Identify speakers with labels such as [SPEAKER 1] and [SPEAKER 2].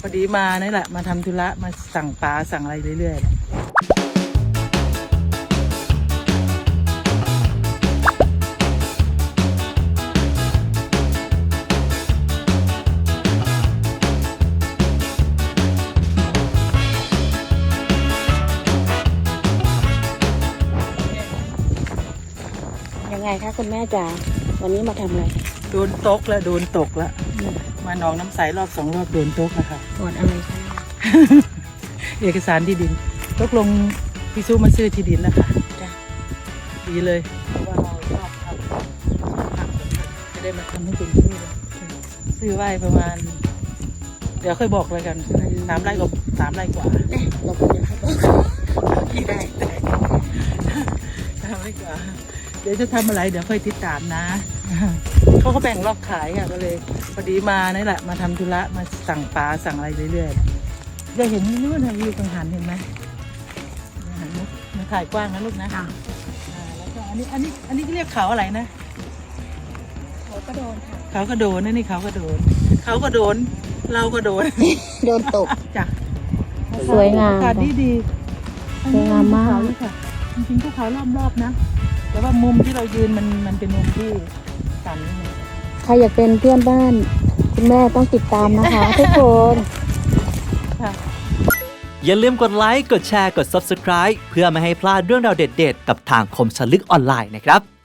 [SPEAKER 1] พอดีมานี่แหละมาทำธุระมาสั่งปลาสั่งอะไรเรื่อย
[SPEAKER 2] ๆยังไงคะคุณแม่จ๋าวันนี้มาทำอะไร
[SPEAKER 1] ๆโดนตกแล้วโดนตกแล้วมาหนองน้ำใสรอบ2 รอบโดนตกแล้วค่ะ
[SPEAKER 2] ตรวจอะไรคะ
[SPEAKER 1] เอกสารที่ดินตกลงพี่ซูมาซื้อที่ดินแล้วค่ะ
[SPEAKER 2] จ้ะ
[SPEAKER 1] ดีเลยเพราะว่าเราชอบทำจะได้มาทำให้เป็นที่เลยซื้อไว้ประมาณ เดี๋ยวค่อยบอกเลยกัน3 ไร่กับ3 ไร่กว่า
[SPEAKER 2] เราก็จะให้บอกได้
[SPEAKER 1] 3 ไร่กว่า เดี๋ยวจะทำอะไรเดี๋ยวค่อยติดตามนะ เขาก็แบ่งรอบขายค่ะก็เลยพอดีมานี่แหละมาทำธุระมาสั่งปลาสั่งอะไรเรื่อยๆจะเห็นนู่นนะวิวกังหันเห็นไหมหันมาถ่ายกว้างนะลูกนะแล้วก็อันนี้เรียกเขาอะไรนะ
[SPEAKER 2] เขาก็โดนค่ะ
[SPEAKER 1] เขาก็โดนนี่เขาก็โดนเขาก็โดนเราก็โดน
[SPEAKER 2] โดนตก
[SPEAKER 1] จ้ะ
[SPEAKER 2] สวยงาม
[SPEAKER 1] อากาศดี
[SPEAKER 2] สวยงามมาก
[SPEAKER 1] ภูเขค่ะจริงๆภูเขารอบๆนะแต่ว่ามุมที่เรายืนมันเป็นมุมที่ต่ำนิดนึง
[SPEAKER 2] ใครอยากเป็นเพื่อนบ้านคุณแม่ต้องติดตามนะคะ ทุกคน
[SPEAKER 1] ค่ะ
[SPEAKER 3] อย่าลืมกดไลค์ กดแชร์ กด Subscribe เพื่อไม่ให้พลาดเรื่องราวเด็ดๆ กับทางคมชลึกออนไลน์นะครับ